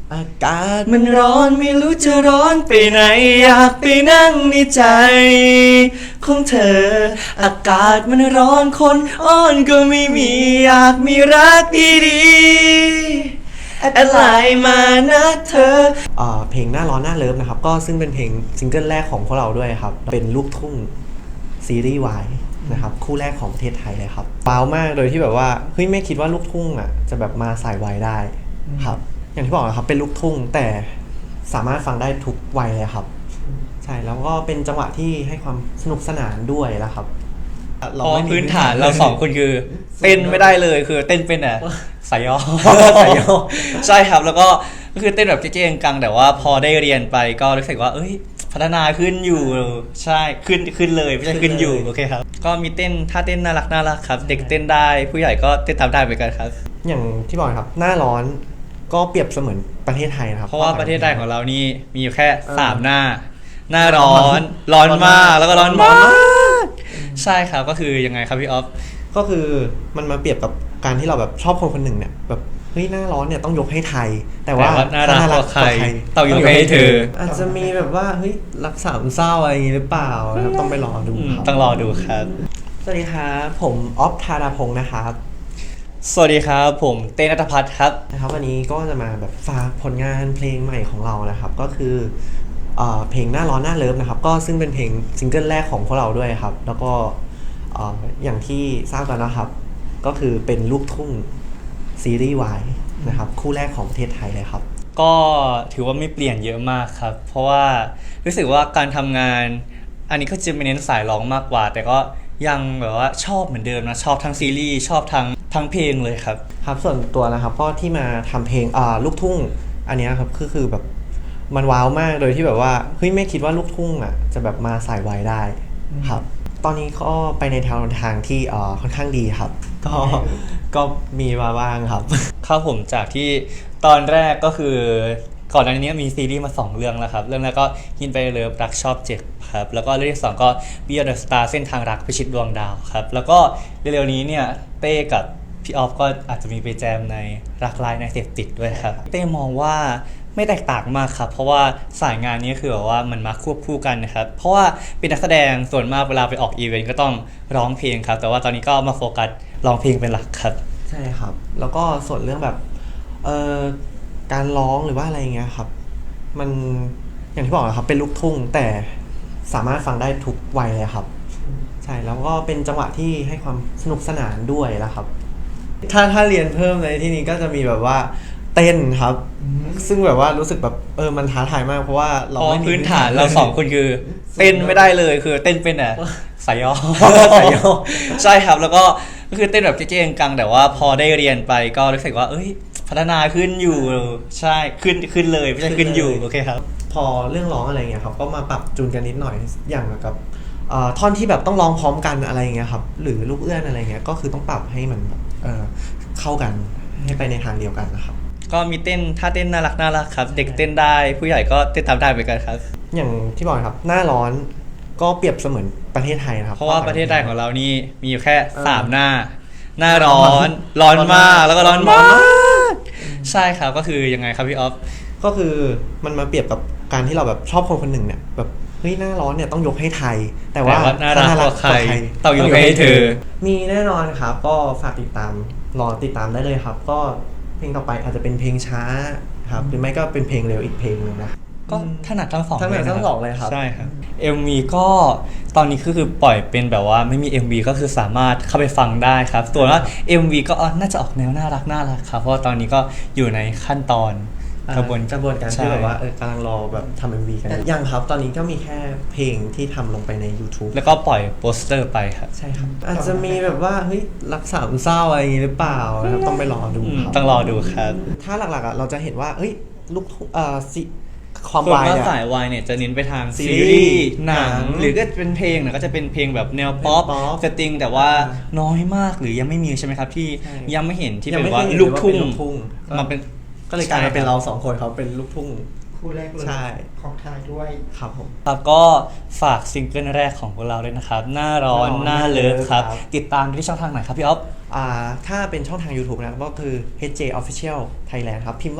อากาศมันร้อนไม่รู้จะร้อนไปไหนอยากไปนั่งในใจของเธออากาศมันร้อนคนอ้อนก็ไม่มีอยากมีรักดีๆแอดไลน์มานะเธอเพลงหน้าร้อนหน้าเลิฟนะครับก็ซึ่งเป็นเพลงซิงเกิลแรกของพวกเราด้วยครับเป็นลูกทุ่งซีรีส์วายนะครับคู่แรกของประเทศไทยเลยครับว้าวมากโดยที่แบบว่าเฮ้ยไม่คิดว่าลูกทุ่งอ่ะจะแบบมาสายวายได้ครับอย่างที่บอกนะครับเป็นลูกทุ่งแต่สามารถฟังได้ทุกวัยเลยครับใช่แล้วก็เป็นจังหวะที่ให้ความสนุกสนานด้วยแล้วครับเพราะพื้นฐานเราสองคนคือเต้นไม่ได้เลยคือเต้นเป็นอ่ะสายย่อสายย่อใช่ครับแล้วก็คือเต้นแบบเจ๊ๆกังแต่ว่าพอได้เรียนไปก็รู้สึกว่าเอ้ยพัฒนาขึ้นอยู่ใช่ขึ้นเลยไม่ใช่ขึ้นอยู่โอเคครับก็มีเต้นท่าเต้นน่ารักครับเด็กเต้นได้ผู้ใหญ่ก็เต้นตามได้เหมือนกันครับอย่างที่บอกครับหน้าร้อนก็เปรียบเสมือนประเทศไทยนะครับเพราะว่าประเทศไทยของเรานี่มีอยู่แค่3หน้าร้อนมากแล้วก็ร้อนมากใช่ครับก็คือยังไงครับพี่ออฟก็คือมันมาเปรียบกับการที่เราแบบชอบคนคนหนึ่งเนี่ยแบบเฮ้ยหน้าร้อนเนี่ยต้องยกให้ไทยแต่ว่าน่ารักกว่าใครต้องยกให้เธออาจจะมีแบบว่าเฮ้ยรักสามเศร้าอะไรอย่างนี้หรือเปล่านะครับต้องไปรอดูครับต้องรอดูครับสวัสดีครับผมออฟธาราพงศ์นะครับสวัสดีครับผมเต้ณัฐพัฒน์ครับนะครับวันนี้ก็จะมาแบบฝากผลงานเพลงใหม่ของเรานะครับก็คือเพลงหน้าร้อนหน้าเลิฟนะครับก็ซึ่งเป็นเพลงซิงเกิลแรกของพวกเราด้วยครับแล้วก็อย่างที่ทราบกันนะครับก็คือเป็นลูกทุ่งซีรีส์วายนะครับคู่แรกของประเทศไทยเลยครับก็ถือว่าไม่เปลี่ยนเยอะมากครับเพราะว่ารู้สึกว่าการทำงานอันนี้ก็จะเน้นสายร้องมากกว่าแต่ก็ยังแบบว่าชอบเหมือนเดิมนะชอบทั้งซีรีส์ชอบทั้งเพลงเลยครับครับส่วนตัวนะครับก็ที่มาทำเพลงลูกทุ่งอันนี้ครับคือแบบมันว้าวมากโดยที่แบบว่าเฮ้ยไม่คิดว่าลูกทุ่งอ่ะจะแบบมาสายวายได้ครับตอนนี้ก็ไปในทางที่ค่อนข้างดีครับก็มีมาบ้างครับครับผมจากที่ตอนแรกก็คือก่อนหน้านี้มีซีรีส์มา2เรื่องแล้วครับเรื่องแรกก็ฮินไปเลิฟรักชอบเจ็บครับแล้วก็เรื่องที่2ก็ Beyond the Star เส้นทางรักพิชิตดวงดาวครับแล้วก็เร็วๆนี้เนี่ยเต้กับพี่ออฟก็อาจจะมีไปแจมในรักลายในเสพติดด้วยครับเต้มองว่าไม่แตกต่างมากครับเพราะว่าสายงานนี้คือแบบว่ามันมาควบคู่กันนะครับเพราะว่าเป็นนักแสดงส่วนมากเวลาไปออกอีเวนต์ก็ต้องร้องเพลงครับแต่ว่าตอนนี้ก็มาโฟกัสร้องเพลงเป็นหลักครับใช่ครับแล้วก็ส่วนเรื่องแบบการร้องหรือว่าอะไรเงี้ยครับมันอย่างที่บอกนะครับเป็นลูกทุ่งแต่สามารถฟังได้ทุกวัยเลยครับใช่แล้วก็เป็นจังหวะที่ให้ความสนุกสนานด้วยแล้วครับถ้าเรียนเพิ่มในที่นี้ก็จะมีแบบว่าเต้นครับซึ่งแบบว่ารู้สึกแบบมันท้าทายมากเพราะว่าเราไม่พื้นฐานเรา2คนคือเต้นไม่ได้เลยคือเต้นเป็นอ่ะสายย่อใช่ครับแล้วก็คือเต้นแบบเจ๊ๆกังแต่ว่าพอได้เรียนไปก็รู้สึกว่าเอ้ยพัฒนาขึ้นอยู่ใช่ขึ้นเลยไม่ใช่ขึ้นอยู่โอเคครับพอเรื่องร้องอะไรเงี้ยครับก็มาปรับจูนกันนิดหน่อยอย่างกับท่อนที่แบบต้องร้องพร้อมกันอะไรเงี้ยครับหรือลูกเอื้อนอะไรเงี้ยก็คือต้องปรับให้มันเข้ากันให้ไปในทางเดียวกันนะครับก็มีเต้นท่าเต้นน่ารักครับเด็กเต้นได้ผู้ใหญ่ก็เต้นตามได้เหมือนกันครับอย่างที่บอกครับหน้าร้อนก็เปรียบเสมือนประเทศไทยนะครับเพราะว่าประเทศไทยของเรานี่มีอยู่แค่3หน้าร้อนมากแล้วก็ร้อนมากใช่ครับก็คือยังไงครับพี่ออฟก็คือมันมาเปรียบกับการที่เราแบบชอบคนคนหนึ่งเนี่ยแบบเฮ้ยหน้าร้อนเนี่ยต้องยกให้ไทยแต่ว่าน่ารักกว่าใครต้องยกให้เธอมีแน่นอนครับก็ฝากติดตามรอติดตามได้เลยครับก็เพลงต่อไปอาจจะเป็นเพลงช้าครับหรือไม่ก็เป็นเพลงเร็วอีกเพลงนึงนะก็ถนัดทั้งสองเลยครับใช่ครับ MV ก็ตอนนี้คือปล่อยเป็นแบบว่าไม่มี MV ก็คือสามารถเข้าไปฟังได้ครับส่วนว่า MV ก็น่าจะออกแนวน่ารักครับเพราะว่าตอนนี้ก็อยู่ในขั้นตอนกระบวนการที่แบบว่ากำลังรอแบบทำ MV กันยังครับตอนนี้ก็มีแค่เพลงที่ทำลงไปใน YouTube แล้วก็ปล่อยโปสเตอร์ไปครับใช่ครับอาจจะมีแบบว่าเฮ้ยรักสามเศร้าอะไรอย่างนี้หรือเปล่านะครับต้องไปรอดูครับต้องรอดูครับถ้าหลักๆเราจะเห็นว่าเฮ้ยลูกความวายเนี่ยสายวายเนี่ยจะเน้นไปทางซีรีส์หนังหรือก็เป็นเพลงเนี่ยก็จะเป็นเพลงแบบแนวป๊อปสตริงแต่ว่าน้อยมากหรือยังไม่มีใช่ไหมครับที่ยังไม่เห็นที่เป็นว่าลูกทุ่งมาเป็นก็เลยกลายมาเป็นเรา2คนเขาเป็นลูกทุ่งคู่แรกเลยของไทยด้วยครับผมแล้วก็ฝากซิงเกิลแรกของพวกเราด้วยนะครับหน้าร้อนหน้าเลิฟครับติดตามที่ช่องทางไหนครับพี่อ๊อฟถ้าเป็นช่องทาง YouTube นะก็คือ HJ Official Thailand ครับพิมพ์ว่า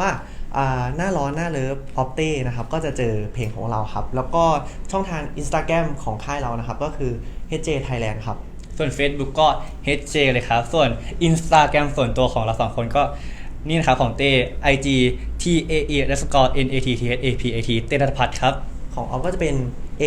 หน้าร้อนหน้าเลิฟออฟเต้นะครับก็จะเจอเพลงของเราครับแล้วก็ช่องทาง Instagram ของค่ายเรานะครับก็คือ HJ Thailand ครับส่วน Facebook ก็ HJ เลยครับ ส่วน Instagram ส่วนตัวของเราสองคนก็นี่นะครับของเต้ IG TAE_NATTHAPAT เต้ณัฐพัฒน์ครับของออฟก็จะเป็น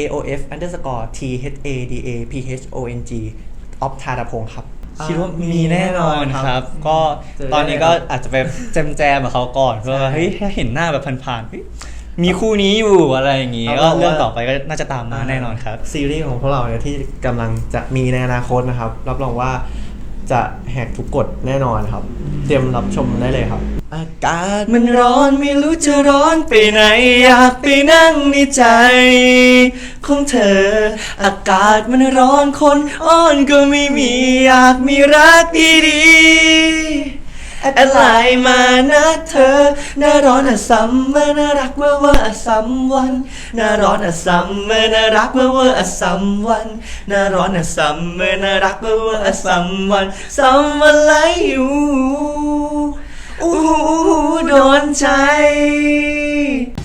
AOF_THADAPHONG ออฟธารพงศ์ครับคิดว่ามีแน่นอนครับ ก็เจอได้ตอนนี้ก็อาจจะไปแจมกับเขาก่อนเพื่อว่าเฮ้ยถ้าเห็นหน้าแบบผ่านๆเฮ้ยมีคู่นี้อยู่อะไรอย่างงี้ก็เรื่องต่อไปก็น่าจะตามมาแน่นอนครับซีรีส์ของพวกเราเนี่ยที่กำลังจะมีในอนาคตนะครับรับรองว่าจะแหกทุกกฎแน่นอนครับ เตรียมรับชมได้เลยครับ อากาศมันร้อนไม่รู้จะร้อนไปไหนอยากไปนั่งในใจของเธอ อากาศมันร้อนคนอ้อนก็ไม่มีอยากมีรักดีๆแอดไลน์มานะเธอหน้าร้อนอะซัมเมอร์น่ารักเวอร์เวอร์อะซัมวันหน้าร้อนอะซัมเมอร์น่ารักเวอร์เวอร์อะซัมวันหน้าร้อนอะซัมเมอร์น่ารักเวอร์เวอร์อะซัมวันซัมวันไลอยู่ อู้หูโดนใจ